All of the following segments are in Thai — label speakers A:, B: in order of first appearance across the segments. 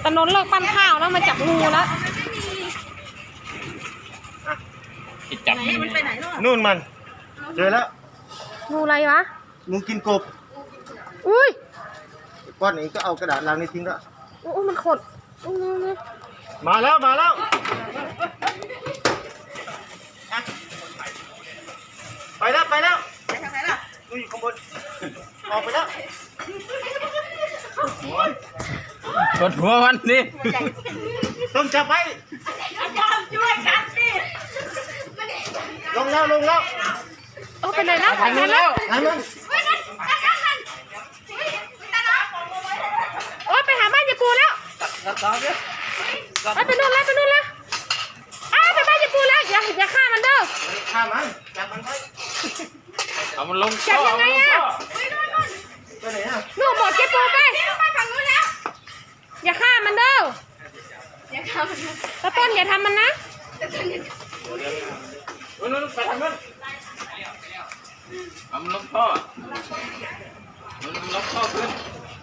A: ถนนเลิกปั้นข้าวแล้วมาจับงูแล้ว
B: จับ
C: มันไปไหน
D: นู่นมันเจอแล้ว
A: งูอะไรวะ
D: งูกินกบ
A: อุ้ย
D: ก้อนนี้ก็เอากระดาษลังนี้ทิ้งแล้ว
A: โอ้มันขด
D: มาแล้วไปแล้วไปทางไหนล่ะดูอยู่ข้างบนออกไปแล้ว
B: กดหัวมันสิ
D: ต้องจับไว้
C: ช่วยกันสิ
D: ลงแล้ว
A: โอ้ไปไหนแล้ว
B: ทางนู้นแล้ว
D: ทางนู้น
A: โอ้ไปหาบ้านยายปูแล้วไปนู่นแล้วไปบ้านยายปูแล้วอย่าฆ่ามันเด้อ
D: ฆ่ามันจับมันไว้
B: เอามันลง
A: จับยังไงอะ
D: ไปไหนอ่ะ
A: นู่นบอกยายปูไปฝั่งนู้นแล้วอย่าฆ่ามันเด้อตะต้นอย่าทำมันนะ
B: นู่นไปทางนู้นเอามันลงท่อมันลงท่อขึ้น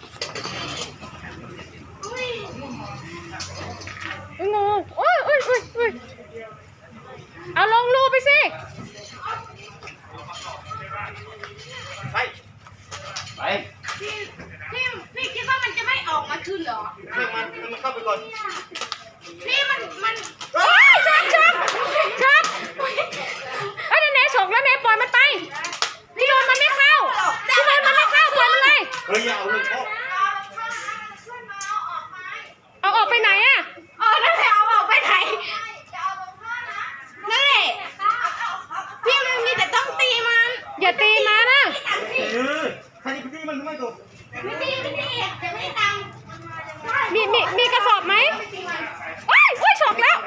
A: งูโอ้ยเอาลงรูไปสิ
D: ไป
C: พี่คิดว่ามันจะไม่ออกมาคืนเหรอ
D: เรื่องมันเข้าไปก่อน
C: พี่มัน
A: โอ้ยช็อกไอ้เนฉกแล้วเนปล่อยมันไปที่โดนมันไม่เข้าปล่อยมันเลย
D: เฮ้ยอย่าเอาเลยพ่อ
A: เอาออกไปไหนอะ
C: นั่นแหละเอาออกไปไหนนั่นแหละพี่มันมีแต่ต้องตีมัน
A: อย่าตีมานะ
D: ใครที่มันไม่ถูก
C: ไม่ตีจะไม่ตัง
A: มีกระสอบไหมโอ้ยฉกแล้ว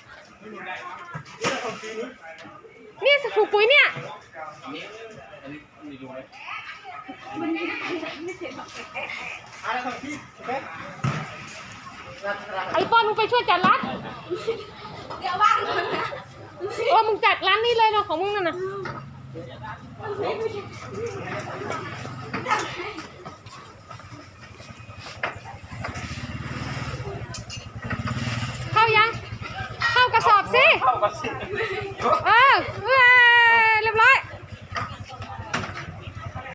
A: นี่ถูกปุ๋ยเนี่ยไอ้ป้อนมึงไปช่วยจัดร้าน
C: เดี๋ยวว่างก่อนนะ
A: มึงจัดร้านนี้เลยเนาะของมึงนั่นน่ะเข้ายังเข้ากระสอบสิ